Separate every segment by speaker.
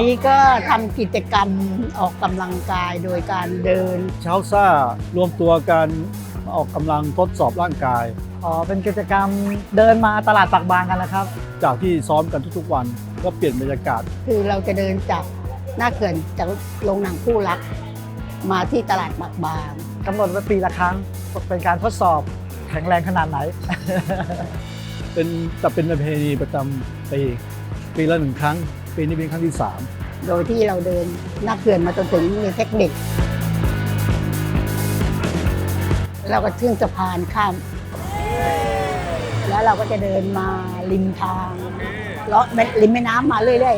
Speaker 1: นี้ก็ทำกิจกรรมออกกำลังกายโดยการเดิน
Speaker 2: เช้าซ่ารวมตัวกันมาออกกำลังทดสอบร่างกาย
Speaker 3: เป็นกิจกรรมเดินมาตลาดปากบางกันนะครับ
Speaker 2: จากที่ซ้อมกันทุกๆวันก็เปลี่ยนบรรยากาศ
Speaker 1: คือเราจะเดินจากหน้าเขื่อนจากโรงหนังคู่รักมาที่ตลาดบางบาง
Speaker 3: กำหนดไว้ปีละครั้งเป็นการทดสอบแข็งแรงขนาดไหน
Speaker 2: เป็นประเพณีประจำปีละ1 ครั้งปีนี้เป็นครั้งที่ 3
Speaker 1: โดยที่เราเดินหน้าเขื่อนมาจนถึงเทคนิคเราก็ขึ้นสะพานข้าม แล้วเราก็จะเดินมาริมทางเลาะริมแม่น้ำมาเรื่อย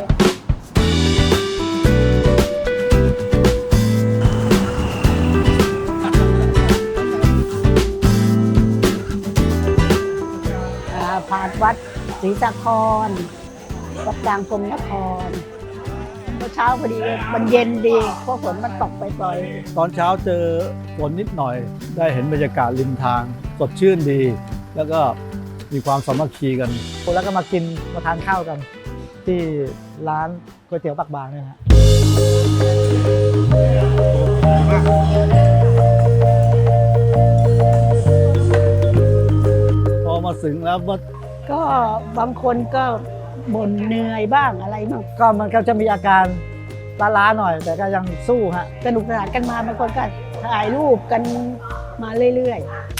Speaker 1: ๆผ่านวัดศรีสะครวัดกลางพรหมนครเช้าพอดีมันเย็นดีเพราะฝนมันตกไปปล่อย
Speaker 2: ตอนเช้าเจอฝนนิดหน่อยได้เห็นบรรยากาศริมทางสดชื่นดี แล้วก็มีความสามัคคีกัน
Speaker 3: แล้วก็มาทานข้าวกัน ที่ร้านก๋วยเตี๋ยวปากบางเนี่ยฮะ
Speaker 2: พอมาถึงแล้ว
Speaker 1: ก็บางคนก็บ่นเหนื่อยบ้างอะไรบ้าง
Speaker 3: ก็มันก็จะมีอาการล้าๆหน่อย แต่ก็ยังสู้ฮะ
Speaker 1: สนุกสนานกันมาบางคนก็ถ่ายรูปกันมาเรื่อย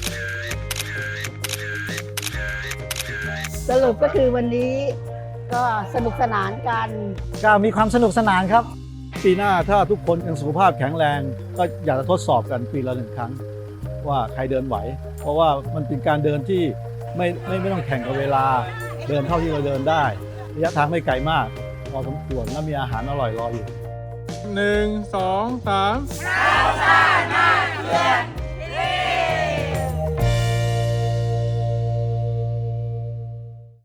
Speaker 1: ๆสรุปก็คือวันนี้ก็สนุกสนานกัน
Speaker 3: ก็มีความสนุกสนานครับ
Speaker 2: ปีหน้าถ้าทุกคนยังสุขภาพแข็งแรงก็อยากจะทดสอบกันปีละ1 ครั้ง ว่าใครเดินไหว เพราะว่ามันเป็นการเดินที่ไม่ต้องแข่งกับเวลาเดินเท่าที่เราเดินได้ระยะทางไม่ไกลมากพอสมควรและมีอาหารอร่อยรออยู่
Speaker 4: 1 2 3